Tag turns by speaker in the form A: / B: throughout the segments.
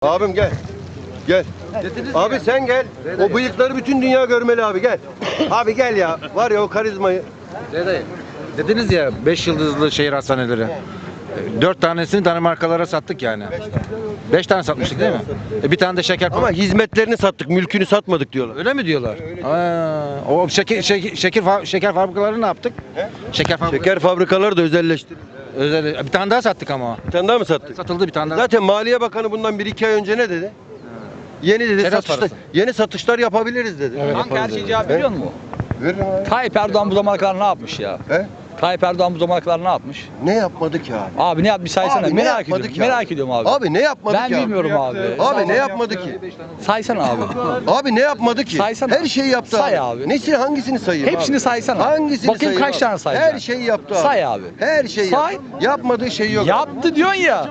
A: Abim gel. Gel. Abi sen gel. O bıyıkları bütün dünya görmeli abi gel. Abi gel ya. Var ya o karizmayı.
B: Dediniz ya 5 yıldızlı şehir hastaneleri. 4 tanesini Danimarkalara sattık yani. 5 tane satmıştık değil mi? Bir tane de şeker
A: Ama hizmetlerini sattık, mülkünü satmadık diyorlar.
B: öyle mi diyorlar? O şeker fabrikalarını ne yaptık?
A: Şeker fabrikaları da özelleştirildi.
B: Bir tane daha sattık ama.
A: Bir tane daha mı sattık?
B: Satıldı bir tane daha.
A: Zaten Maliye Bakanı bundan 1-2 ay önce ne dedi? Yeni dedi
B: Teras
A: satışlar,
B: parası.
A: yeni satışlar yapabiliriz dedi.
C: Kanka her şeyi cevap biliyor musun?
A: Veririm abi.
C: Tayyip Erdoğan bu zamana kadar ne yapmış ya?
A: He?
C: Tayyip Erdoğan bu zamana kadar ne yapmış?
A: Ne yapmadı ki abi?
C: Abi ne yapmış saysana.
A: Abi ne
C: Merak
A: yapmadı
C: ediyorum.
A: ki abi?
C: Merak ediyorum abi.
A: Abi ne yapmadı
C: Ben
A: ki abi?
C: bilmiyorum abi.
A: Abi ne yapmadı ki?
C: Saysana abi.
A: Abi ne yapmadı ki?
C: Saysana.
A: Her şeyi yaptı
C: Say abi.
A: Nesi hangisini sayayım
C: Hepsini
A: abi?
C: saysana.
A: Hangisini
C: Bakayım
A: sayayım
C: kaç
A: abi?
C: tane sayacaksın?
A: Her şeyi yaptı abi.
C: Say abi.
A: Her şeyi
C: Say.
A: yaptı. Yapmadığı şey yok.
C: Yaptı diyorsun ya.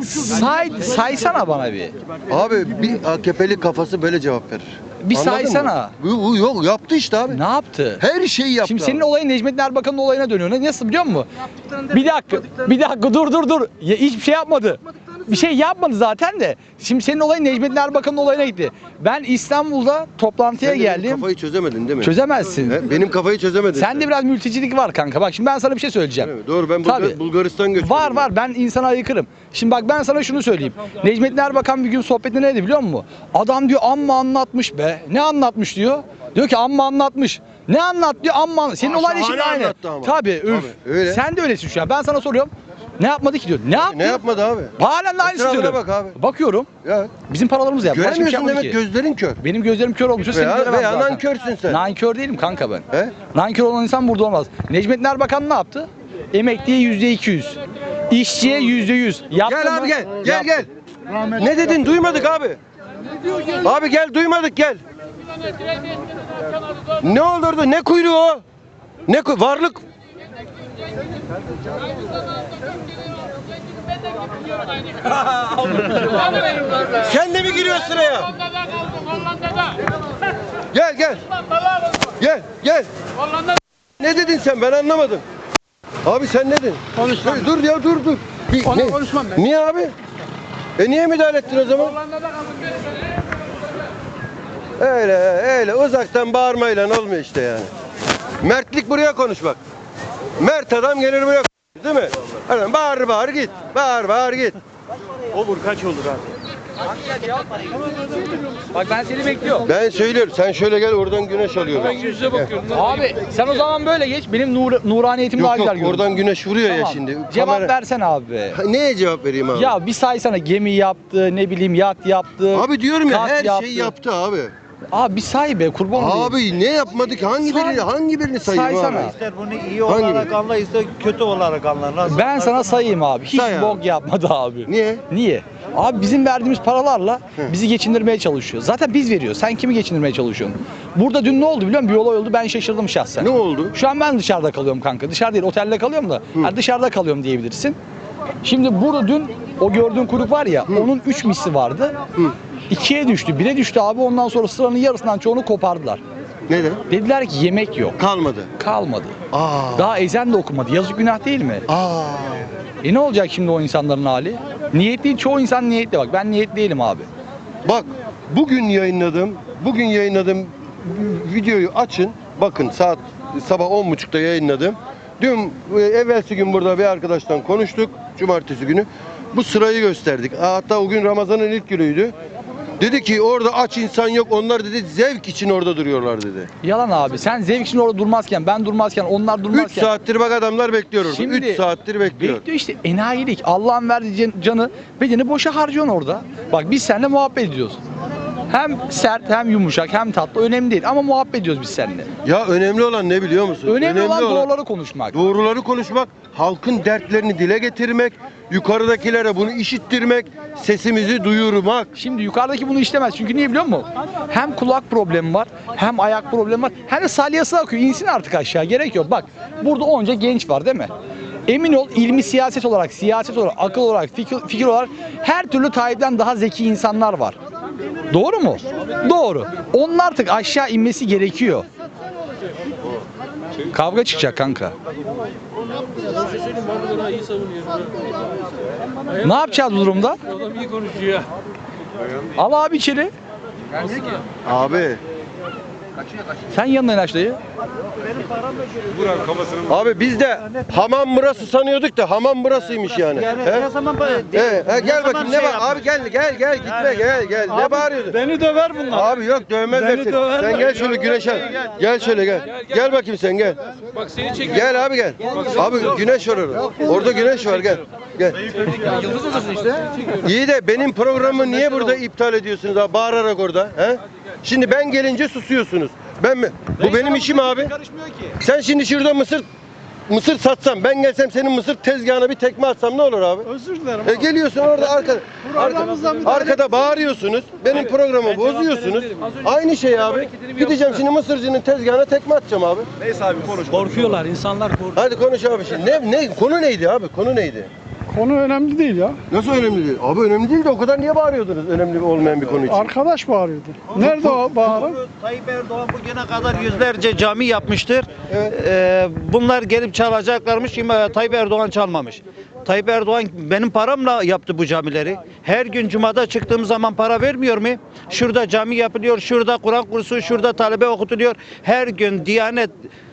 C: Saysana bana bir.
A: Abi bir AKP'li kafası böyle cevap verir.
C: Bir
A: Anladın
C: saysana.
A: mı? Bu yok yaptı işte abi.
C: Ne yaptı?
A: Her şeyi yaptı.
C: Şimdi senin
A: abi.
C: olayın Necmettin Erbakan'ın olayına dönüyor. Nasıl biliyor musun? Bir dakika dur. Ya, hiçbir şey yapmadı. Bir şey yapmadı zaten de. Şimdi senin olayın Necmettin Erbakan'ın olayına gitti. Ben İstanbul'da toplantıya
A: Sen de benim
C: geldim.
A: kafayı çözemedin değil mi?
C: Çözemezsin.
A: He? Benim kafayı çözemedin.
C: Sen de biraz mültecilik var kanka. Bak şimdi ben sana bir şey söyleyeceğim.
A: Değil mi? Doğru ben
C: Tabii.
A: Bulgaristan göçmeniyim.
C: Var ben insana aykırım. Şimdi bak ben sana şunu söyleyeyim. Necmettin Erbakan bir gün sohbetinde neydi biliyor musun? Adam diyor amma anlatmış be. Ne anlatmış diyor? Diyor ki amma anlatmış. Ne anlat diyor amma. Senin olayla şimdi
A: şahane
C: aynı.
A: anlattı ama.
C: Tabii üf.
A: Tabii, öyle.
C: Sen de öylesin şu an. Ben sana soruyorum. Ne yapmadı ki diyor. Ne yaptı?
A: Ne yapmadı abi?
C: Halen de aynısını
A: Etrafına
C: söylüyorum.
A: bak abi.
C: Bakıyorum.
A: Ya.
C: Bizim paralarımız yaptı. Başka bir şey
A: Göremiyorsun
C: yapmadı
A: demek
C: ki.
A: gözlerin kör.
C: Benim gözlerim kör olmuş. Seni göremem
A: Veya
C: zaten.
A: nankörsün sen.
C: Nankör değilim kanka ben.
A: He?
C: Nankör olan insan burada olmaz. Necmettin Erbakan ne yaptı? Emekliye %200. İşçiye %100. Yaptı
A: Gel
C: mı?
A: abi gel. Gel
C: Yaptı.
A: gel. Ne dedin? Duymadık abi. Abi gel duymadık gel. Ne olurdu? Ne kuyruğu o? Varlık. Sen de mi giriyorsun sıraya? Gel gel. Gel. Ne dedin sen? Ben anlamadım. Abi sen ne dedin?
D: Konuşmam.
A: Dur ya dur.
D: Onu konuşmam ben.
A: Niye abi? Niye müdahale ettin o zaman? Öyle uzaktan bağırmayla olmuyor işte yani. Mertlik buraya konuş bak. Mert adam gelir buraya konuş, değil mi? Adam bağır git. Bağır git.
C: Bak ben seni bekliyorum.
A: Ben söylüyorum. Sen şöyle gel oradan güneş alıyorum.
C: Abi sen o zaman böyle geç. Benim nuraniyetim daha
A: Yok
C: güzel görünüyor.
A: oradan güneş vuruyor ya
C: Tamam.
A: şimdi.
C: Cevap
A: Kamera-
C: versene abi.
A: Neye cevap vereyim abi?
C: Ya bir saysana gemi yaptı, ne bileyim yat yaptı.
A: Abi diyorum ya
C: kat
A: her şeyi yaptı abi.
C: Abi bir say be kurban olayım.
A: Abi ne yapmadı ki? Hangi birini sayayım
C: Saysana.
A: abi?
D: İster bunu iyi
A: Hangi
D: olarak
A: biri?
D: anla, ister kötü olarak anla. Nasıl?
C: Ben sana sayayım abi. Hiç
A: Say abi.
C: bok yapmadı abi.
A: Niye?
C: Niye? Abi bizim verdiğimiz paralarla bizi geçindirmeye çalışıyor. Zaten biz veriyoruz. Sen kimi geçindirmeye çalışıyorsun? Burada dün ne oldu biliyor musun? Bir olay oldu. Ben şaşırdım şahsen.
A: Ne oldu?
C: Şu an ben dışarıda kalıyorum kanka. Dışarı değil, otelde kalıyorum da. Yani dışarıda kalıyorum diyebilirsin. Şimdi burada dün o gördüğün kuyruk var ya, onun 3 misli vardı. 2'ye düştü, 1'e düştü abi. Ondan sonra sıranın yarısından çoğunu kopardılar.
A: Neden?
C: Dediler ki yemek yok.
A: Kalmadı.
C: Kalmadı.
A: Aa.
C: Daha ezan da okumadı. Yazık günah değil mi?
A: Aa.
C: Ne olacak şimdi o insanların hali? Niyetli, çoğu insan niyetli bak. Ben niyetli değilim abi.
A: Bak bugün yayınladığım videoyu açın. Bakın saat sabah 10.30'da yayınladım. Dün evvelsi gün burada bir arkadaştan konuştuk. Cumartesi günü. Bu sırayı gösterdik. Hatta o gün Ramazan'ın ilk günüydü. Dedi ki orada aç insan yok. Onlar dedi zevk için orada duruyorlar dedi.
C: Yalan abi. Sen zevk için orada durmazken, ben durmazken, onlar
A: 3
C: durmazken.
A: saattir bak adamlar bekliyor orada. 3 saattir bekliyor.
C: Bekliyor işte enayilik. Allah'ın verdiği canı, bedeni boşa harcıyorsun orada. Bak biz seninle muhabbet ediyoruz. Hem sert, hem yumuşak, hem tatlı. Önemli değil ama muhabbet ediyoruz biz seninle.
A: Ya önemli olan ne biliyor musun?
C: Önemli olan doğruları konuşmak.
A: Doğruları konuşmak, halkın dertlerini dile getirmek, yukarıdakilere bunu işittirmek, sesimizi duyurmak.
C: Şimdi yukarıdaki bunu işlemez. Çünkü niye biliyor musun? Hem kulak problemi var, hem ayak problemi var. Hem de salyası akıyor. İnsin artık aşağı. Gerek yok. Bak burada onca genç var değil mi? Emin ol ilmi siyaset olarak, akıl olarak, fikir olarak her türlü Tayyip'ten daha zeki insanlar var. Doğru mu? Doğru. Onun artık aşağı inmesi gerekiyor. Kavga çıkacak kanka.
E: Daha iyi savunuyor.
C: Ne yapacağız bu durumda?
E: Adam iyi konuşuyor.
C: Al abi içeri.
A: Abi.
C: Sen yanına aç dayı.
A: Abi biz de hamam burası sanıyorduk da hamam burasıymış yani. He?
D: Ne zaman
A: Gel bakayım ne var? Abi gel gitme gel. Ne bağırıyorsun?
D: Beni döver bunlar.
A: Abi yok dövmezler
D: Beni
A: seni.
D: döverler.
A: Sen gel şöyle güneş al. Gel şöyle gel. Gel bakayım sen gel.
E: Bak seni çekiyor.
A: Gel abi gel. Abi güneş var orada. Orada güneş var gel. Gel.
C: Yıldız odasın işte.
A: İyi de benim programı niye burada iptal ediyorsunuz abi bağırarak orada? He? Şimdi ben gelince susuyorsunuz. Ben mi? Bu benim işim abi.
C: Karışmıyor ki.
A: Sen şimdi şurada mısır satsam, ben gelsem senin mısır tezgahına bir tekme atsam ne olur abi?
D: Özür dilerim.
A: Geliyorsun orada
D: Programımızda müdahale
A: arkada bağırıyorsunuz. Benim programı bozuyorsunuz. Aynı şey abi. Gideceğim şimdi mısırcının tezgahına tekme atacağım abi.
D: Korkuyorlar, insanlar korkuyor.
A: Hadi konuş abi şimdi. Ne konu neydi abi? Konu neydi?
F: Konu önemli değil ya.
A: Nasıl önemli değil? Abi önemli değil de o kadar niye bağırıyordunuz önemli olmayan bir konu için?
F: Arkadaş bağırıyordu. Nerede o bağıran?
D: Tayyip Erdoğan bugüne kadar yüzlerce cami yapmıştır.
A: Evet.
D: Bunlar gelip çalacaklarmış. Tayyip Erdoğan çalmamış. Tayyip Erdoğan benim paramla yaptı bu camileri. Her gün cumada çıktığım zaman para vermiyor mu? Şurada cami yapılıyor, şurada Kur'an kursu, şurada talebe okutuluyor. Her gün Diyanet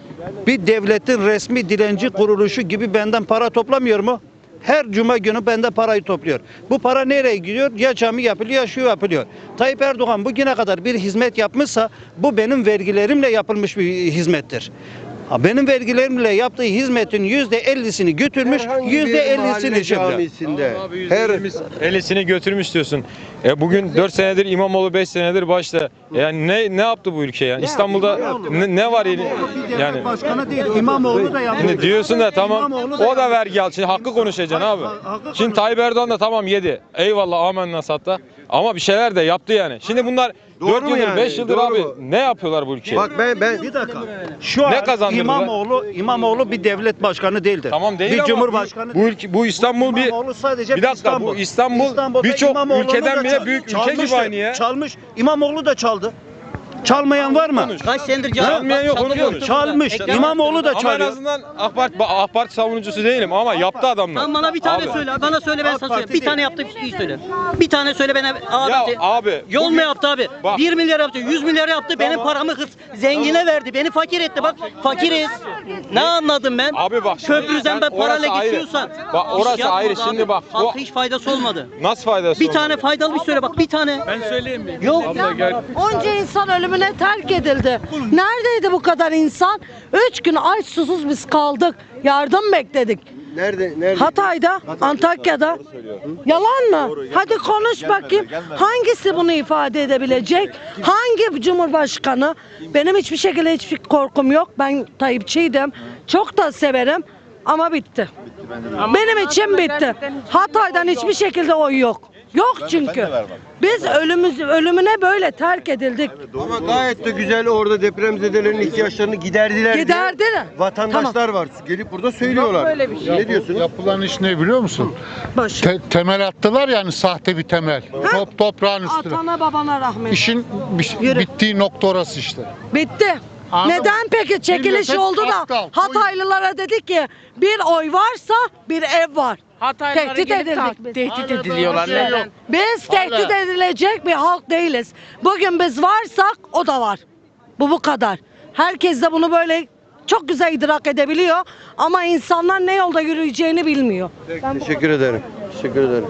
D: bir devletin resmi dilenci kuruluşu gibi benden para toplamıyor mu? Her cuma günü bende parayı topluyor. Bu para nereye gidiyor? Ya cami yapılıyor ya şu yapılıyor. Tayyip Erdoğan bugüne kadar bir hizmet yapmışsa bu benim vergilerimle yapılmış bir hizmettir. Benim vergilerimle yaptığı hizmetin %50'sini götürmüş,
A: Herhangi bir mahalle
D: %50'sini çekiyor.
A: camisinde. Her
E: 50'sini götürmüş diyorsun. Bugün 4 senedir İmamoğlu 5 senedir başta. Yani ne yaptı bu ülke yani? İstanbul'da ne var yani?
D: Başkanı değil, İmamoğlu da yapıyor.
E: Şimdi diyorsun da tamam
D: İmamoğlu da
E: o da vergi al. Şimdi hakkı konuşacaksın abi.
D: hakkı
E: Şimdi Tayyip Erdoğan da tamam yedi. Eyvallah amenna satta. Ama bir şeyler de yaptı yani. Şimdi bunlar
A: Doğru
E: 4
A: mu
E: yıldır
A: yani?
E: 5 yıldır
A: Doğru
E: abi
A: mu?
E: ne yapıyorlar bu ülkeye?
A: bak ben
D: Bir dakika. Şu an
E: Ne kazandırdılar?
D: İmamoğlu bir devlet başkanı değildir.
E: Tamam değil
D: bir
E: ama
D: cumhurbaşkanı
E: bu ülke bu İstanbul bir
D: İmamoğlu sadece
E: bir dakika bu İstanbul
D: İstanbul'da
E: birçok
D: İmamoğlu'nu
E: ülkeden
D: da
E: bile büyük ülke gibi
D: çalmıştır.
E: aynı ya.
D: Çalmış. İmamoğlu da çaldı. Çalmayan var mı?
G: Kaç senedir
E: Çalmayan yok, onu konuş.
D: Çalmış. İmamoğlu da
E: Ama en
D: çalıyor.
E: azından AK Parti savunucusu değilim ama yaptı adamlar.
G: Tamam bana bir tane
E: Abi.
G: söyle. Bana söyle ben
D: AK
G: sana
D: Parti
G: söyleyeyim. Bir tane yaptı iyi söyle. Bir tane söyle bana abi.
E: Ya abi,
G: Yol
E: bugün-
G: mu yaptı abi?
E: Bak.
G: 1 milyar yaptı, 100 milyar yaptı. Benim paramı zengine verdi. Beni fakir etti. Bak fakiriz. Ne anladım ben?
E: Abi bak şimdi
G: Köprüden ben
E: sen- orası
G: parayla
E: ayrı.
G: geçiyorsan.
E: Bak
G: iş
E: orası
G: yapmadı
E: ayrı.
G: abi.
E: Şimdi bak o
G: Halka hiç faydası olmadı.
E: nasıl faydası
G: Bir
E: olmadı?
G: tane faydalı bir söyle bak bir tane.
E: Ben söyleyeyim mi?
G: Yok.
E: Abla gel.
H: Onca insan ölümüne terk edildi. Neredeydi bu kadar insan? 3 gün aç susuz biz kaldık. Yardım bekledik.
A: nerede?
H: Hatay'da, Antakya'da. Yalan mı? Hadi konuş bakayım. Hangisi bunu ifade edebilecek? Hangi cumhurbaşkanı? Benim hiçbir şekilde hiçbir korkum yok. Ben Tayyipçiydim. Çok da severim. Ama bitti. Benim için bitti. Hatay'dan hiçbir şekilde oy yok. Yok çünkü. Biz ölümüne böyle terk edildik.
A: Ama gayet de güzel orada depremzedelerin ihtiyaçlarını giderdiler diye
H: Giderdiler.
A: vatandaşlar var. Gelip burada söylüyorlar.
H: böyle bir şey.
A: Ne diyorsunuz?
F: Yapılan iş ne biliyor musun?
H: Başı.
F: Temel attılar yani sahte bir temel. Toprağın üstüne.
H: Atana babana rahmet.
F: İşin
H: Yürü.
F: bittiği nokta orası işte.
H: Bitti.
F: Anladım.
H: Neden peki çekiliş
F: Millet
H: oldu da
F: aptal.
H: Hataylılara dedi ki bir oy varsa bir ev var. Tehdit edildik biz.
I: Tehdit ediliyorlar. Neden?
H: Biz tehdit edilecek bir halk değiliz. Bugün biz varsak o da var. Bu kadar. Herkes de bunu böyle çok güzel idrak edebiliyor ama insanlar ne yolda yürüyeceğini bilmiyor.
A: Teşekkür ederim. Teşekkür ederim.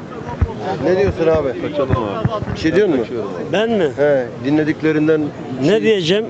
A: Ne diyorsun abi? Kaçalım abi. Bir şey diyor musun?
J: Ben mi?
A: He, dinlediklerinden
J: Ne diyeceğim?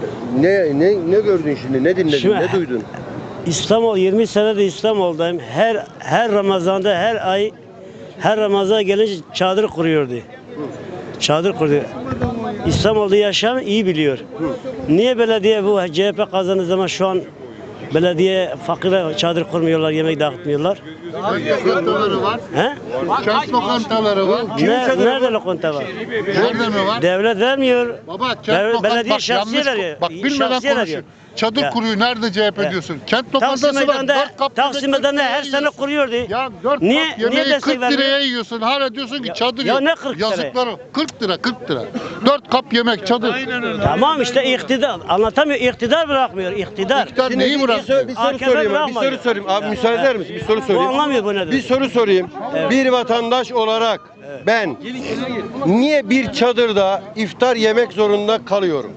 A: ne gördün şimdi? Ne dinledin?
J: Şimdi-
A: ne duydun?
J: İstanbul 20 senedir İstanbul'dayım. Her Ramazan'da her Ramazan gelince çadır kuruyordu. Çadır kuruyor. İstanbul'da yaşayan iyi biliyor. Niye belediye bu CHP kazandığı zaman şu an belediye fakire çadır kurmuyorlar, yemek dağıtmıyorlar?
F: Lokantaları var.
J: He?
F: Kent lokantaları var.
J: Nerede lokanta var?
F: Nerede mi var?
J: Devlet vermiyor.
F: Baba kent
J: Belediye
F: lokantası. Bak
J: şahsiye
F: yanlış.
J: veriyor.
F: Bak bilmeden
J: Şahsiye
F: konuşuyor.
J: veriyor.
F: çadır
J: Ya.
F: kuruyor. Nerede CHP
J: Ya.
F: diyorsun? Kent
J: Taksim
F: lokantası var.
J: Meydanı'nda,
F: 4 kap
J: Taksim
F: yemek 40
J: Meydanı'nda
F: liraya
J: her sene
F: yiyorsun.
J: kuruyordu.
F: Ya 4
J: Niye-
F: kap yemeği
J: niye destek
F: 40 liraya
J: vermiyor?
F: yiyorsun. Hala diyorsun ki
J: Ya-
F: çadır
J: ya
F: yok.
J: ne 40 lira?
F: Yazıklar o. 40 lira 40 lira. 4 kap yemek çadır.
J: Tamam işte iktidar anlatamıyor. İktidar bırakmıyor. İktidar.
F: İktidar neyi
A: bir
F: bırak?
A: soru
J: AKP
A: sorayım. Bir
J: bırakmadı.
A: soru sorayım. Abi müsaade eder misin? Bir soru
J: O
A: sorayım.
J: anlamıyor bu nedir.
A: Bir soru sorayım. Bir vatandaş olarak ben niye bir çadırda iftar yemek zorunda kalıyorum?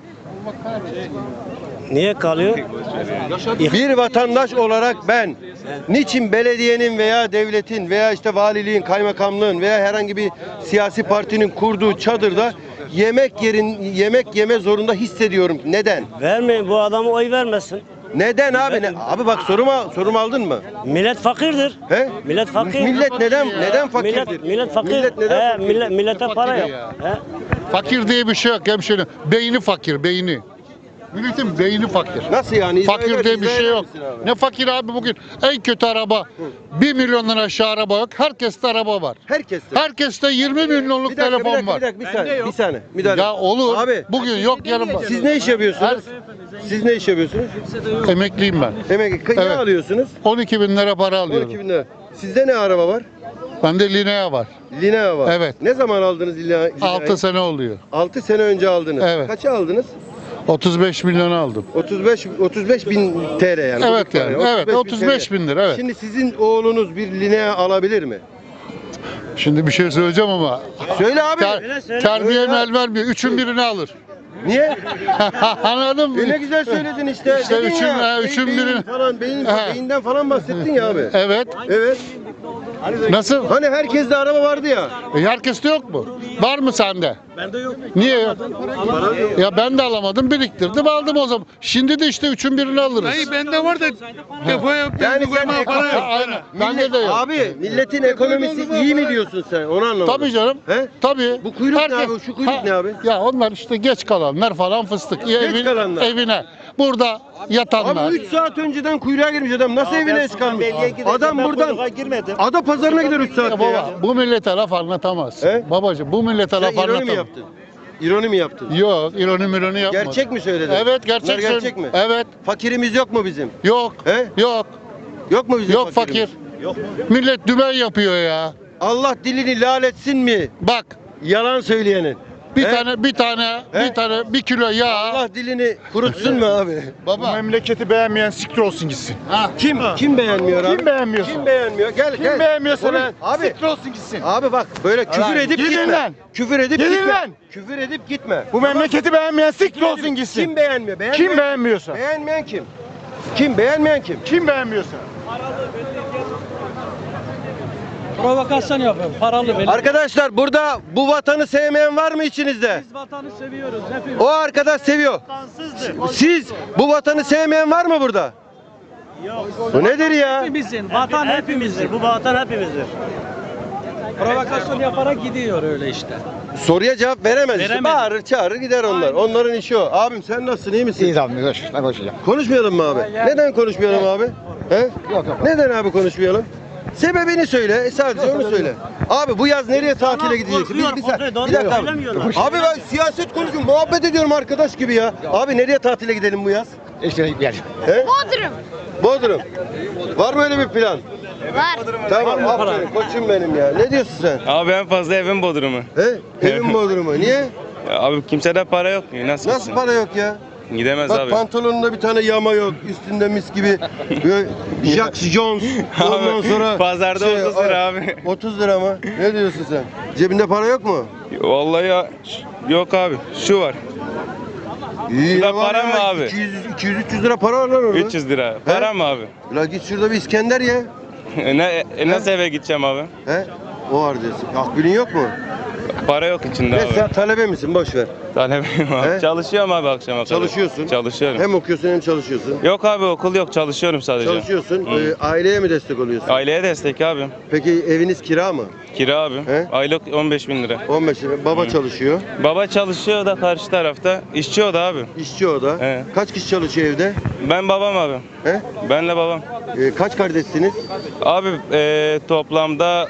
J: Niye kalıyor?
A: Bir vatandaş olarak ben niçin belediyenin veya devletin veya işte valiliğin, kaymakamlığın veya herhangi bir siyasi partinin kurduğu çadırda yemek yeme zorunda hissediyorum? Neden?
J: Vermeyin bu adamı oy vermesin.
A: Neden abi? Abi bak sorumu aldın mı?
J: Millet fakirdir.
A: He?
J: Millet fakir.
A: Millet neden fakirdir?
J: Millet fakir.
A: Millet neden fakir?
J: Millete para yok. He?
F: Fakir diye bir şey yok hemşerim. Beyni fakir, beyni. Milletin beyni fakir.
A: Nasıl yani? İzah
F: Fakir
A: eder-
F: diye bir
A: izah
F: şey
A: eder
F: yok.
A: misin abi?
F: Ne fakir abi bugün? En kötü araba 1 milyondan aşağı araba yok. Herkeste araba var.
A: Herkeste.
F: Herkeste 20 milyonluk
A: Bir dakika,
F: telefon var.
A: bir saniye. Bir saniye. Müdahale.
F: Ya olur.
A: Abi
F: Bugün yok yarın var.
A: siz ne iş yapıyorsunuz? Siz ne iş yapıyorsunuz?
F: Emekliyim ben.
A: Ne
F: Evet.
A: alıyorsunuz?
F: 12 bin lira para
A: 12
F: alıyorum.
A: bin lira. Sizde ne araba var?
F: Bende Linea var.
A: Linea var.
F: Evet.
A: Ne zaman aldınız Linea'yı?
F: 6 sene oluyor.
A: 6 sene önce aldınız.
F: Evet.
A: Kaça aldınız?
F: 35 milyon aldım.
A: 35 bin TL yani.
F: Evet
A: Bugün
F: yani.
A: para.
F: Evet 35 bin lira evet.
A: Şimdi sizin oğlunuz bir Linea alabilir mi?
F: Şimdi bir şey söyleyeceğim ama
A: Söyle abi.
F: terbiye
A: Söyle.
F: el vermiyor. Üçün birini alır.
A: Niye?
F: Anladın mı?
A: Ne güzel söyledin işte.
F: İşte
A: Dedin
F: üçün-
A: ya,
F: üçün
A: beyin
F: biri-
A: falan,
F: He.
A: beyinden falan bahsettin ya abi.
F: Evet.
A: Evet.
F: Nasıl?
A: Hani herkeste araba vardı ya.
F: Herkeste yok mu? Var mı sende? Bende yok. Niye yok? Ya ben de alamadım, biriktirdim, aldım o zaman. Şimdi de işte üçün birini alırız.
I: Hayır bende var da depoya
A: Yani sen
I: para yok.
F: Aynen. Bende de yok.
A: Abi milletin ekonomisi iyi mi diyorsun sen? Onu anlamadım.
F: Tabii canım.
A: He?
F: Tabii.
A: Bu kuyruk ne abi? Şu kuyruk ne abi?
F: Ya onlar işte geç kalanlar falan fıstık.
A: kalanlar.
F: Evine. Burada yatanlar.
A: Abi 3 saat önceden kuyruğa girmiş adam. Nasıl evine çıkarmış? Adam buradan Ada pazarına gider 3
F: Ya
A: saatte ya.
F: baba bu millete laf anlatamaz.
A: He?
F: Babacığım bu millete
A: Sen
F: laf
A: ironi mi
F: anlatamaz.
A: yaptın? İroni mi yaptın?
F: Yok, ironi yapmadım.
A: Gerçek mi söyledin?
F: Evet, gerçek.
A: Bunlar gerçek mi?
F: Evet.
A: Fakirimiz yok mu bizim?
F: Yok.
A: He?
F: Yok.
A: Yok mu bizim
F: Yok
A: fakirimiz?
F: fakir. Millet dümen yapıyor ya.
A: Allah dilini lal etsin mi?
F: Bak
A: Yalan söyleyenin.
F: bir
A: He?
F: tane bir kilo yağ.
A: Allah dilini kurutsun mu abi?
F: Baba.
I: Memleketi beğenmeyen siktir olsun gitsin.
A: Kim beğenmiyor abi?
I: Kim beğenmiyorsa?
A: Kim beğenmiyor? Gel
I: Kim
A: gel.
I: beğenmiyorsa
A: Konuş.
I: lan
A: Abi.
I: siktir olsun gitsin.
A: Abi bak böyle küfür edip
I: Gidin
A: gitme.
I: lan.
A: Küfür edip
I: Gidin
A: gitme.
I: lan.
A: Küfür edip gitme.
I: Bu memleketi beğenmeyen siktir olsun gitsin.
A: Kim beğenmiyor?
I: Kim beğenmiyorsa?
A: Beğenmeyen kim? Kim? Beğenmeyen kim?
I: Kim beğenmiyorsa?
G: Provokasyon yapıyorum. Paralı benim.
A: Arkadaşlar burada bu vatanı sevmeyen var mı içinizde?
G: Biz vatanı seviyoruz hepimiz.
A: O arkadaş seviyor. Siz bu vatanı sevmeyen var mı burada?
J: Yok.
A: Bu nedir ya?
G: Hepimizin. Vatan hepimizin.
J: Bu vatan hepimizdir.
G: Provokasyon yaparak gidiyor öyle işte.
A: Soruya cevap veremez. işte.
G: Veremez.
A: Bağırır çağırır gider onlar. Onların işi o. Abim sen nasılsın, iyi misin?
I: İyi tamam ne konuşacağım?
A: Konuşmayalım mı abi? Neden konuşmayalım abi? He?
I: Yok.
A: Neden abi konuşmayalım? Sebebini söyle, sadece onu söyle. Abi bu yaz nereye tatile gideceksin? Bir dakika. Abi ben siyaset konuşuyorum, muhabbet ediyorum arkadaş gibi ya. Abi nereye tatile gidelim bu yaz?
I: İşte gel.
A: He?
K: Bodrum.
A: Bodrum. Var mı öyle bir plan?
K: Var.
A: Tamam, aferin koçum benim ya. Ne diyorsun sen?
E: Abi en fazla evin Bodrum'u.
A: He? Evin Bodrum'u. Niye?
E: Abi kimsede para yok mu?
A: Nasıl para yok ya?
E: Gidemez
A: Bak pantolonunda bir tane yama yok, üstünde mis gibi böyle Jack Jones. Ondan sonra
E: Pazarda 30 lira abi.
A: 30 lira mı? Ne diyorsun sen? Cebinde para yok mu?
E: Vallahi ya yok abi. Şu var.
A: İyi
E: Şurada
A: ya, var
E: para
A: ya,
E: mı abi?
A: 200-300 lira para var lan orada.
E: 300 lira. Para mı abi?
A: La git şurada bir İskender ye.
E: Nasıl eve gideceğim abi?
A: He? O var diyorsun. Akbilin yok mu?
E: Para yok içinde
A: Ne
E: abi.
A: sen talebe misin? Boş ver.
E: Talebeyim
A: He?
E: abi. Çalışıyorum abi akşama kadar.
A: Çalışıyorsun.
E: Çalışıyorum.
A: Hem okuyorsun hem çalışıyorsun.
E: Yok abi okul yok çalışıyorum sadece.
A: Çalışıyorsun. Aileye mi destek oluyorsun?
E: Aileye destek abi.
A: Peki eviniz kira mı?
E: Kira abi.
A: He?
E: Aylık 15.000 lira.
A: 15 lira. Baba çalışıyor.
E: Baba çalışıyor da karşı tarafta. İşçi o da abi.
A: İşçi o da.
E: He.
A: Kaç kişi çalışıyor evde?
E: Ben babam abi.
A: He?
E: Benle babam.
A: Kaç kardeşsiniz?
E: Abi toplamda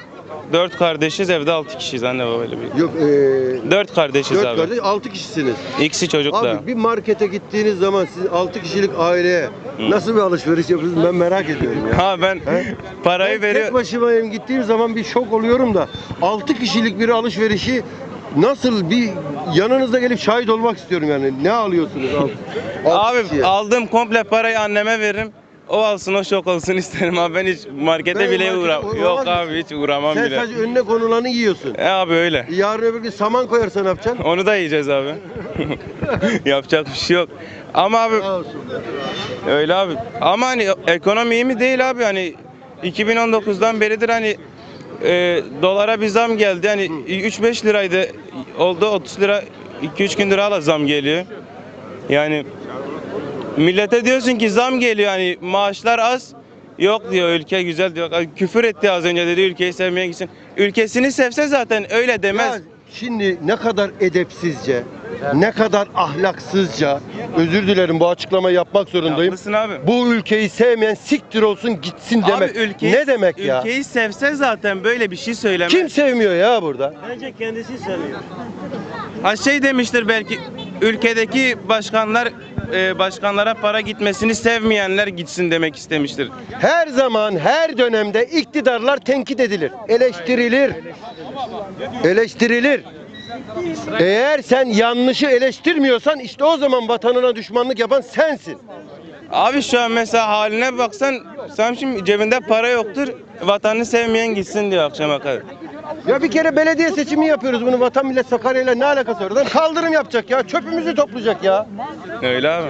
K: Dört kardeşiz, evde 6 kişiyiz anne babayla bir.
A: Yok,
K: 4 kardeşiz
A: 4
K: abi.
A: kardeş, 6 kişisiniz.
K: İkisi çocuk da.
A: Abi bir markete gittiğiniz zaman siz 6 kişilik aileye nasıl bir alışveriş yapıyorsunuz ben merak ediyorum ya.
K: Ha ben
A: He?
K: parayı
A: Ben
K: veriyor.
A: tek başımayım gittiğim zaman bir şok oluyorum da 6 kişilik bir alışverişi nasıl bir yanınızda gelip şahit olmak istiyorum yani. Ne alıyorsunuz
K: Abi
A: kişiye?
K: aldığım komple parayı anneme veririm. O alsın, o şok olsun isterim abi. Ben hiç markete
A: Ben
K: bile
A: markete
K: uğramam.
A: uğramaz
K: Yok
A: mısın?
K: abi hiç uğramam
A: Sen
K: bile.
A: sadece önüne konulanı yiyorsun.
K: Abi öyle.
A: Yarın öbür gün saman koyarsan ne yapacaksın?
K: Onu da yiyeceğiz abi. Yapacak bir şey yok. Ama abi
A: Sağ olsun.
K: öyle abi. Ama hani ekonomi iyi mi değil abi hani 2019'dan beridir hani dolara bir zam geldi. Hani 3-5 liraydı oldu 30 lira 2-3 gündür hala zam geliyor. Yani millete diyorsun ki zam geliyor hani maaşlar az. Yok diyor ülke güzel diyor. Küfür etti az önce dedi ülkeyi sevmeye gitsin. Ülkesini sevse zaten öyle demez.
A: Ya şimdi ne kadar edepsizce, ne kadar ahlaksızca, özür dilerim bu açıklamayı yapmak zorundayım.
K: Haklısın abi.
A: Bu ülkeyi sevmeyen siktir olsun gitsin demek.
K: Abi ülkeyi,
A: ne demek ya?
K: Ülkeyi sevse zaten böyle bir şey söylemez.
A: Kim sevmiyor ya burada?
J: Bence kendisi seviyor.
K: Ha şey demiştir belki ülkedeki başkanlar başkanlara para gitmesini sevmeyenler gitsin demek istemiştir.
A: Her zaman, her dönemde iktidarlar tenkit edilir, eleştirilir. Eleştirilir. Eğer sen yanlışı eleştirmiyorsan işte o zaman vatanına düşmanlık yapan sensin.
K: Abi şu an mesela haline baksan sen şimdi cebinde para yoktur vatanını sevmeyen gitsin diyor akşama kadar.
A: Ya bir kere belediye seçimi yapıyoruz bunu Vatan Millet Sakarya'yla ne alakası var? Adam kaldırım yapacak ya, çöpümüzü toplayacak ya.
K: Öyle abi.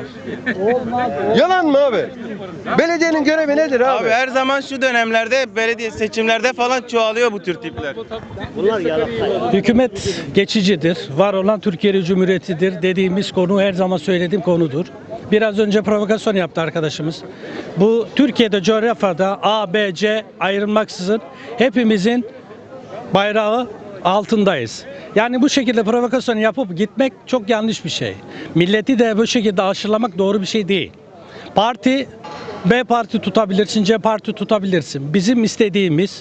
A: Yalan mı abi? Belediyenin görevi nedir abi?
K: Abi her zaman şu dönemlerde belediye seçimlerde falan çoğalıyor bu tür tipler.
J: Bunlar yalaka.
L: Hükümet geçicidir. Var olan Türkiye Cumhuriyeti'dir dediğimiz konu her zaman söylediğim konudur. Biraz önce provokasyon yaptı arkadaşımız. Bu Türkiye'de coğrafyada A, B, C ayrılmaksızın hepimizin bayrağı altındayız. Yani bu şekilde provokasyon yapıp gitmek çok yanlış bir şey. Milleti de bu şekilde aşılamak doğru bir şey değil. Parti B parti tutabilirsin, C parti tutabilirsin. Bizim istediğimiz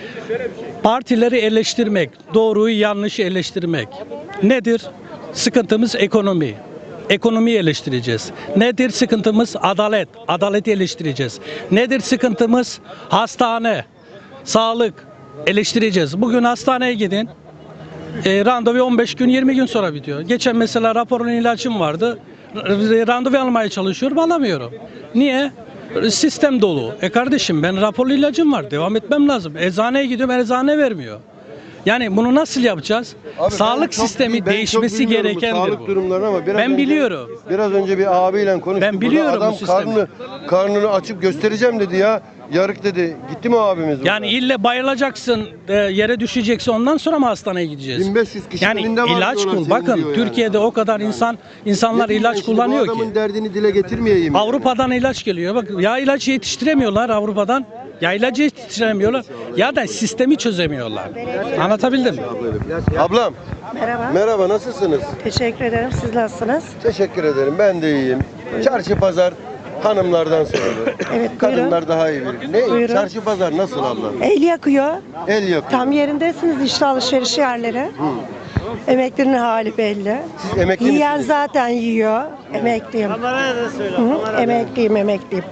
L: partileri eleştirmek, doğruyu yanlışı eleştirmek. Nedir? Sıkıntımız ekonomi. Ekonomiyi eleştireceğiz. Nedir sıkıntımız? Adalet. Adaleti eleştireceğiz. Nedir sıkıntımız? Hastane, sağlık eleştireceğiz. Bugün hastaneye gidin. Randevu 15 gün 20 gün sonra bitiyor. Geçen mesela raporun ilacım vardı. Randevu almaya çalışıyorum alamıyorum. Niye? Sistem dolu. Kardeşim ben raporlu ilacım var. Devam etmem lazım. Eczaneye gidiyorum eczane vermiyor. Yani bunu nasıl yapacağız?
A: Abi
L: Sağlık
A: ben çok
L: sistemi
A: ben çok
L: değişmesi
A: bilmiyorum bu
L: gerekendir
A: sağlık
L: bu.
A: durumlarını ama biraz
L: Ben
A: önce,
L: biliyorum.
A: Biraz önce bir abiyle konuştuk.
L: Ben biliyorum
A: Burada adam
L: bu sistemi.
A: karnını açıp göstereceğim dedi ya. Yarık dedi. Gitti mi abimiz burada?
L: Yani ille bayılacaksın, yere düşeceksin ondan sonra mı hastaneye gideceğiz?
A: 1500 kişinin
L: Yani
A: önünde var
L: ilaç
A: diyorlar,
L: kul. Bakın
A: seviliyor yani.
L: Türkiye'de o kadar insanlar
A: Ne
L: ilaç
A: diyeyim ben şimdi,
L: kullanıyor
A: bu adamın
L: ki.
A: derdini dile getirmeyeyim.
L: Avrupa'dan ilaç geliyor. Bak ya ilacı yetiştiremiyorlar Avrupa'dan. Ya ilacı yetiştiremiyorlar ya da sistemi çözemiyorlar. Anlatabildim mi?
A: Ablam
H: Merhaba.
A: merhaba nasılsınız?
H: Teşekkür ederim. Siz nasılsınız?
A: Teşekkür ederim ben de iyiyim. Çarşı pazar hanımlardan sorulur.
H: Evet,
A: Kadınlar daha iyi bilir. Ne?
H: Buyurun.
A: Çarşı pazar nasıl abla?
H: El yakıyor.
A: El yakıyor.
H: Tam yerindesiniz işte alışveriş yerleri. Emeklinin hali belli.
A: Siz emekli
H: Yiyen
A: misiniz?
H: zaten yiyor. Emekliyim.
J: Kameraya da söyle.
H: Hı hı,
J: kameraya da.
H: emekliyim.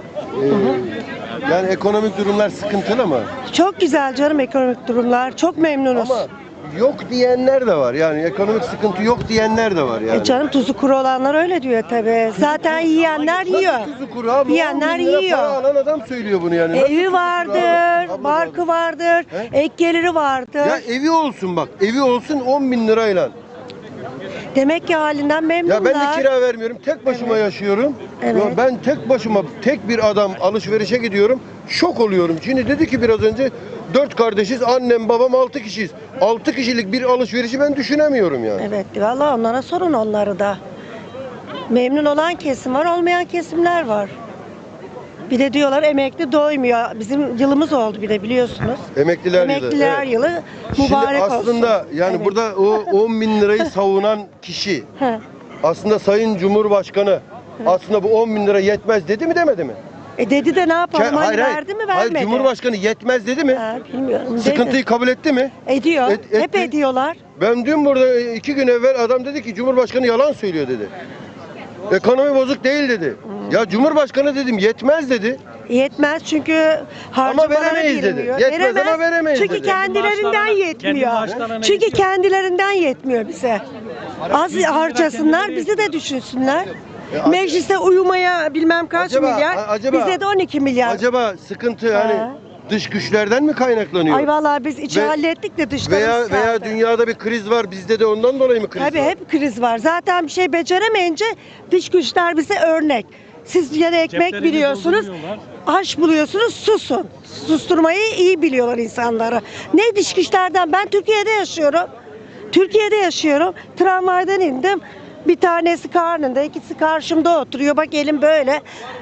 A: Yani ekonomik durumlar sıkıntılı mı?
H: Çok güzel canım ekonomik durumlar. Çok memnunuz.
A: Ama yok diyenler de var. Yani ekonomik sıkıntı yok diyenler de var yani.
H: Canım tuzu kuru olanlar öyle diyor tabii. Zaten yiyenler yiyor.
A: Nasıl tuzu kuru abi?
H: Yiyenler
A: 10 bin lira
H: yiyor.
A: Para alan adam söylüyor bunu yani. Nasıl tuzu
H: Evi
A: kuru
H: vardır,
A: abi? Abla
H: barkı vardır, ek geliri vardır.
A: Ya evi olsun bak. Evi olsun 10 bin lirayla.
H: Demek ki halinden memnunlar.
A: Ya ben de kira vermiyorum. Tek başıma yaşıyorum.
H: Evet.
A: Ya ben tek başıma tek bir adam alışverişe gidiyorum. Şok oluyorum. Şimdi dedi ki biraz önce 4 kardeşiz. Annem, babam 6 kişiyiz. 6 kişilik bir alışverişi ben düşünemiyorum yani.
H: Evet, vallahi onlara sorun onları da. Memnun olan kesim var, olmayan kesimler var. Bir de diyorlar emekli doymuyor. Bizim yılımız oldu bir de biliyorsunuz.
A: Emekliler
H: yılı
A: Şimdi
H: mübarek olsun.
A: aslında yani
H: Evet.
A: burada o 10 bin lirayı savunan kişi
H: Hı.
A: aslında Sayın Cumhurbaşkanı aslında bu 10 bin lira yetmez dedi mi demedi mi?
H: Dedi de ne yapalım? Hani
A: Hayır, hayır.
H: verdi mi
A: Hayır,
H: vermedi?
A: Cumhurbaşkanı yetmez dedi mi?
H: Bilmiyorum.
A: Sıkıntıyı
H: Dedi.
A: kabul etti mi?
H: Ediyor.
A: Etti.
H: Hep ediyorlar.
A: Ben dün burada 2 gün evvel adam dedi ki Cumhurbaşkanı yalan söylüyor dedi. Ekonomi bozuk değil dedi. Ya Cumhurbaşkanı dedim yetmez dedi.
H: Yetmez çünkü harcamalara
A: veremeyiz dedi.
H: girmiyor.
A: Yetmez ama veremeyiz
H: Çünkü
A: dedi.
H: kendilerinden yetmiyor. Çünkü kendilerinden yetmiyor bize. Az harcasınlar, bizi de düşünsünler. Meclise uyumaya bilmem kaç milyar, bize de 12 milyar.
A: Acaba sıkıntı hani dış güçlerden mi kaynaklanıyor?
H: Ay vallahi biz içi hallettik de dışlarımız
A: Veya
H: kaldı.
A: dünyada bir kriz var, bizde de ondan dolayı mı kriz
H: Tabii
A: var?
H: hep kriz var. Zaten bir şey beceremeyince dış güçler bize örnek. Siz yine ekmek biliyorsunuz, aş buluyorsunuz, susun. Susturmayı iyi biliyorlar insanları. Ne dış güçlerden? Ben Türkiye'de yaşıyorum. Tramvaydan indim. Bir tanesi karnında, ikisi karşımda oturuyor. Bak elim böyle.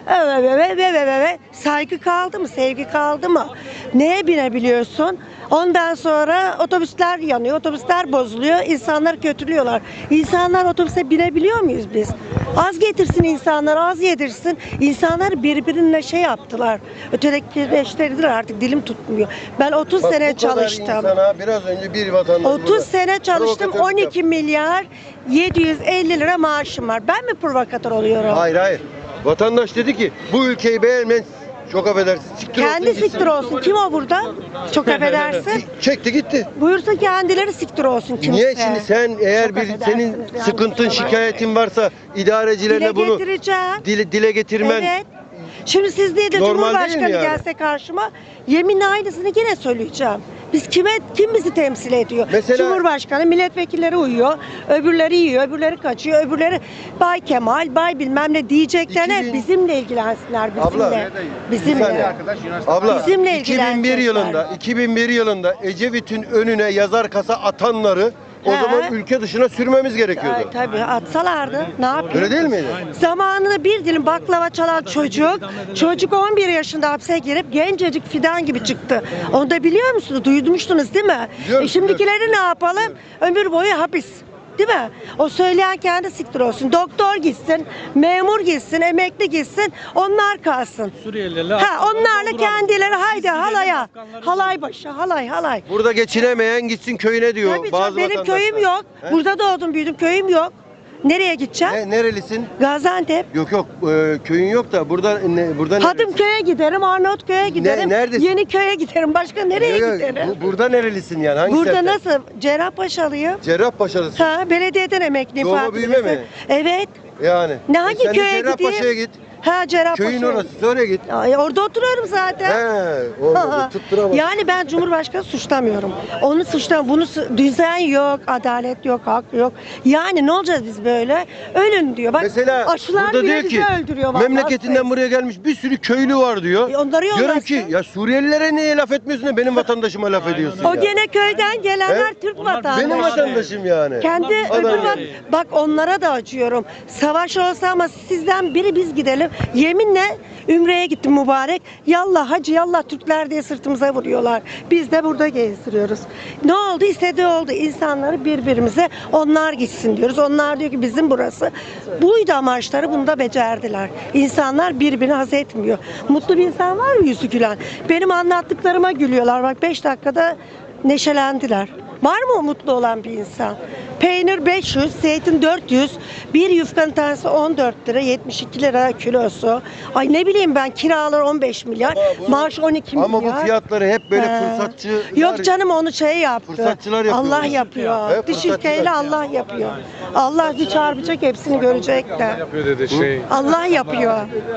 H: Saygı kaldı mı? Sevgi kaldı mı? Neye binebiliyorsun? Ondan sonra otobüsler yanıyor, otobüsler bozuluyor, insanlar kötülüyorlar. İnsanlar otobüse binebiliyor muyuz biz? Az getirsin insanlar, az yedirsin. İnsanlar birbirine şey yaptılar. Ötekileştirdiler, artık dilim tutmuyor. Ben 30
A: Bak,
H: sene
A: bu kadar
H: çalıştım.
A: insana biraz önce bir vatandaş
H: 30
A: burada
H: sene çalıştım.
A: provokatörlük
H: 12
A: yaptı.
H: milyar 750 lira maaşım var. Ben mi provokatör oluyorum?
A: Hayır. Vatandaş dedi ki bu ülkeyi beğenmeyen çok affedersin. Siktir
H: Kendi
A: olsun, gitsin.
H: siktir olsun. Kim o burada? Çok affedersin.
A: Çekti gitti.
H: Buyursa kendileri siktir olsun kimse.
A: Niye şimdi sen eğer
H: Çok
A: bir senin
H: affedersiniz, yanlış
A: sıkıntın,
H: olay.
A: şikayetin varsa idarecilerine
H: Dile
A: bunu
H: getireceğim.
A: dile getirmen
H: Evet. Şimdi siz değil de
A: Normal değil mi
H: Cumhurbaşkanı
A: yani?
H: gelse karşıma yeminle aynısını yine söyleyeceğim. Kim bizi temsil ediyor?
A: Mesela-
H: Cumhurbaşkanı, milletvekilleri uyuyor, öbürleri yiyor, öbürleri kaçıyor, öbürleri Bay Kemal, Bay bilmem ne diyeceklerine
A: 2000
H: bizimle ilgilensinler, bizimle.
A: Abla,
H: Bizimle.
A: Abla
H: Bizimle
A: 2001 yılında Ecevit'in önüne yazar kasa atanları o
H: He.
A: zaman ülke dışına sürmemiz gerekiyordu.
H: Ay, tabii atsalardı ne yapayım?
A: Öyle değil miydi?
H: Zamanında bir dilim baklava çalan çocuk 11 yaşında hapse girip gencecik fidan gibi çıktı. Onu da biliyor musunuz? Duymuştunuz değil mi?
A: Biliyorum,
H: Şimdikileri ne yapalım? Ömür boyu hapis. Değil mi? O söyleyen kendi siktir olsun. Doktor gitsin, memur gitsin, emekli gitsin, onlar kalsın.
L: Suriyeliler.
H: Onlarla kendileri haydi halaya. Halay başı, halay.
A: Burada geçinemeyen gitsin köyüne diyor
H: Tabii
A: bazı
H: canım, benim
A: vatandaşlar.
H: köyüm yok.
A: He?
H: Burada doğdum büyüdüm, köyüm yok. Nereye gideceğim?
A: Nerelisin?
H: Gaziantep.
A: Yok köyün yok da burada nerelisin?
H: Hadımköy'e giderim, Arnavutköy'e giderim,
A: neredesin?
H: Yeniköy'e giderim. Başka nereye
A: Yok,
H: giderim?
A: burada nerelisin yani? Hangi
H: Burada
A: semtten?
H: nasıl? Cerrahpaşalıyım.
A: Cerrahpaşa'lısın.
H: Ha, belediyeden emekliyim.
A: Doğma
H: Fatih
A: büyüme
H: Bey.
A: mi?
H: Evet.
A: Yani.
H: Ne hangi
A: sen de
H: köye
A: Cerrahpaşa'ya
H: gideyim?
A: git.
H: Ha, Cerrahpaşa.
A: Köyün orası. Oraya git.
H: Ay, orada oturuyorum zaten.
A: Orada tutturamaz.
H: Yani ben Cumhurbaşkanı suçlamıyorum. Onu suçlamıyorum. Düzen yok, adalet yok, hak yok. Yani ne olacağız biz böyle? Ölün diyor. Bak
A: Mesela
H: aşılar
A: burada
H: bile
A: diyor
H: bizi
A: ki
H: öldürüyor vallahi.
A: memleketinden buraya gelmiş bir sürü köylü var diyor.
H: Onları
A: Diyorum
H: yollasın.
A: ki ya Suriyelilere niye laf etmiyorsun da benim vatandaşıma laf ediyorsun
H: O
A: ya.
H: gene köyden gelenler
A: He?
H: Türk vatandaşı.
A: Benim vatandaşım yani.
H: Kendi
A: Adam
H: öbür
A: yani.
H: bak onlara da acıyorum. Savaş olsa ama sizden biri biz gidelim. Yeminle Ümre'ye gittim mübarek. Yallah hacı yallah Türkler diye sırtımıza vuruyorlar. Biz de burada gezdiriyoruz. Ne oldu? İstediği oldu. İnsanları birbirimize onlar gitsin diyoruz. Onlar diyor ki bizim burası. Buydu amaçları, bunu da becerdiler. İnsanlar birbirini haz etmiyor. Mutlu bir insan var mı yüzü gülen? Benim anlattıklarıma gülüyorlar. Bak 5 dakikada neşelendiler. Var mı mutlu olan bir insan? Peynir 500, zeytin 400, bir yufkanın tanesi 14 lira, 72 lira kilosu. Ay ne bileyim ben, kiralar 15 milyar, maaş 12 milyar.
A: Ama bu fiyatları hep böyle
H: He.
A: fırsatçı.
H: Yok canım, onu şey yaptı.
A: Fırsatçılar yapıyor.
H: Allah yapıyor.
A: Hep
H: Dış
A: fırsatçılar.
H: ülkeyle Allah yapıyor. Allah bir çarpacak, hepsini görecekler.
E: Yapıyor dedi şey.
H: Allah yapıyor.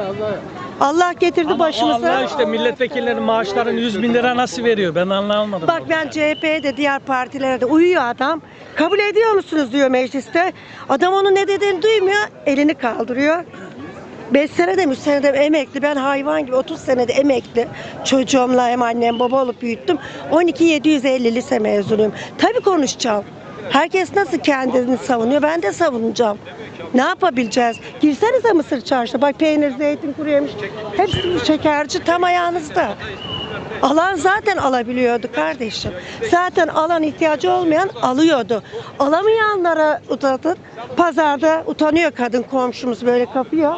H: Allah getirdi başımıza.
L: Allah işte milletvekillerinin maaşlarını 100 bin lira nasıl veriyor? Ben anlamadım.
H: Bak ben CHP'ye de diğer partilere de uyuyor adam. Kabul ediyor musunuz diyor mecliste. Adam onun ne dediğini duymuyor. Elini kaldırıyor. 5 senede 3 senede emekli. Ben hayvan gibi 30 senede emekli. Çocuğumla hem annem baba olup büyüttüm. 12.750 lise mezunuyum. Tabii konuşacağım. Herkes nasıl kendini savunuyor, ben de savunacağım. Ne yapabileceğiz? Girsenize Mısır Çarşı'na. Bak peynir, zeytin, kuru yemiş. Hepsi şekerci tam ayağınızda. Alan zaten alabiliyordu kardeşim. Zaten alan ihtiyacı olmayan alıyordu. Alamayanlara uzatın. Pazarda utanıyor kadın komşumuz böyle kapıyor.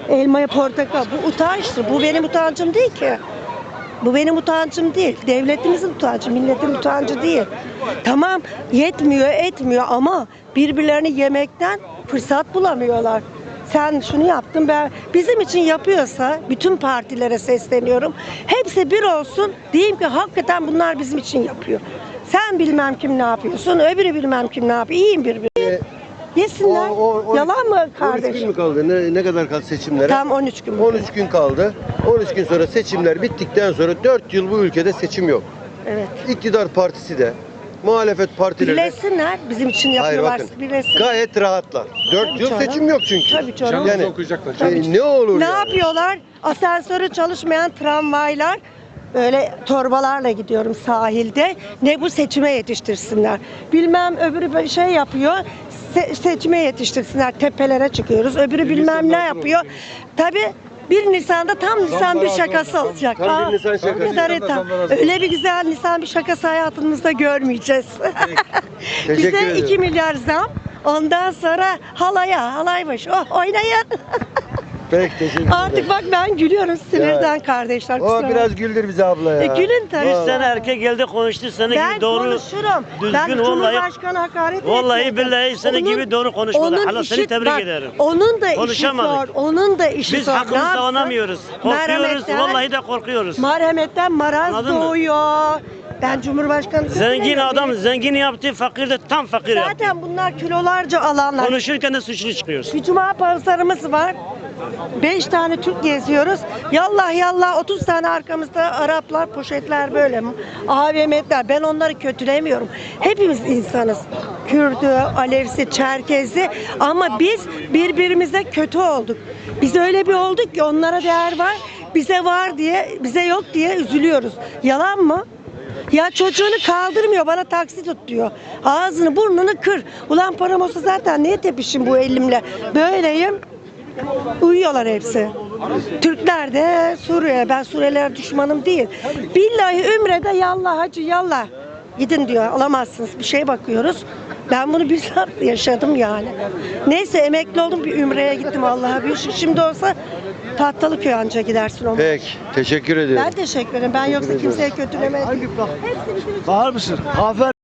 H: Elmaya portakal. Bu utançtır. Bu benim utancım değil ki. Bu benim utancım değil. Devletimizin utancı, milletin utancı değil. Tamam yetmiyor, etmiyor ama birbirlerini yemekten fırsat bulamıyorlar. Sen şunu yaptın, ben bizim için yapıyorsa bütün partilere sesleniyorum. Hepsi bir olsun. Diyeyim ki hakikaten bunlar bizim için yapıyor. Sen bilmem kim ne yapıyorsun, öbürü bilmem kim ne yapıyor. İyiyim birbirine. Yesinler. Yalan mı
A: 13 gün
H: kardeşim?
A: mü kaldı? Ne kadar kaldı seçimlere?
H: Tam 13 gün.
A: 13 gün kaldı. 13 gün sonra seçimler bittikten sonra 4 yıl bu ülkede seçim yok.
H: Evet.
A: İktidar partisi de, muhalefet partileri de
H: Birleşsinler. Bizim için
A: hayır
H: yapıyorlar.
A: bakın
H: Birleşsinler.
A: gayet rahatlar. 4
H: Tabii
A: yıl
H: canım.
A: seçim yok çünkü.
H: Tabii canım.
A: Yani
B: okuyacaklar.
A: ne olur
H: Ne
A: yani?
H: yapıyorlar? Asansörü çalışmayan tramvaylar öyle torbalarla gidiyorum sahilde. Ne bu seçime yetiştirsinler. Bilmem öbürü şey yapıyor. Seçime yetiştirsinler. Tepelere çıkıyoruz. Öbürü bilmem ne yapıyor. Tabii 1 Nisan'da tam Nisan bir şakası olacak.
A: Tam 1 Nisan şakası.
H: O kadar öyle bir güzel Nisan bir şakası hayatımızda görmeyeceğiz.
A: Teşekkür
H: Bize
A: ederim.
H: 2 milyar zam. Ondan sonra halaymış. Oh oynayın.
A: Peki teşekkür ederim.
H: Artık bak ben gülüyorum sinirden kardeşler.
A: O
H: kusura
A: biraz güldür bizi abla ya.
H: gülün tabii.
A: Vallahi.
J: Sen erkek geldi konuştu seni
H: Ben
J: gibi doğru.
H: konuşurum.
J: düzgün
H: Ben
J: vallahi-
H: Cumhurbaşkanı hakaret
J: Vallahi
H: etmedim.
J: billahi seni gibi doğru konuşmadı.
H: onun
J: Hala seni
H: işi-
J: tebrik
H: bak,
J: ederim.
H: Onun da işi
J: Konuşamadık.
H: zor. Onun da işi
J: Biz
H: zor. Ne
J: hakkımızı
H: yapsın?
J: savunamıyoruz. Korkuyoruz.
H: Merhametten-
J: Vallahi de korkuyoruz.
H: Merhametten maraz
J: Anladın mı?
H: doğuyor. Ben Cumhurbaşkanı
J: Zengin adam zengin yaptı, fakir de tam fakir yaptı.
H: Zaten bunlar kilolarca alanlar.
J: Konuşurken de suçlu çıkıyorsun.
H: Bir cuma pazarımız var. 5 tane Türk geziyoruz. Yallah yallah 30 tane arkamızda Araplar, poşetler böyle. AVM'ler. Ben onları kötülemiyorum. Hepimiz insanız. Kürdü, Alevsi, Çerkezi ama biz birbirimize kötü olduk. Biz öyle bir olduk ki onlara değer var. Bize var diye, bize yok diye üzülüyoruz. Yalan mı? Ya çocuğunu kaldırmıyor bana taksi tut diyor. Ağzını burnunu kır. Ulan param olsa zaten niye tepişim bu elimle? Böyleyim. Uyuyorlar hepsi. Türkler de Suriye. Ben Suriyeliler düşmanım değil. Billahi Ümre'de yallah hacı yallah. Gidin diyor alamazsınız. Bir şey bakıyoruz. Ben bunu bizzat yaşadım yani. Neyse emekli oldum bir Ümre'ye gittim Allah'a bir şükür. Şimdi olsa Tahtalıköy anca gidersin onu.
A: Peki teşekkür ediyorum.
H: Ben teşekkür ederim. Ben yoksa kimseye kötülemedim.
I: Bağır mısın? Aferin.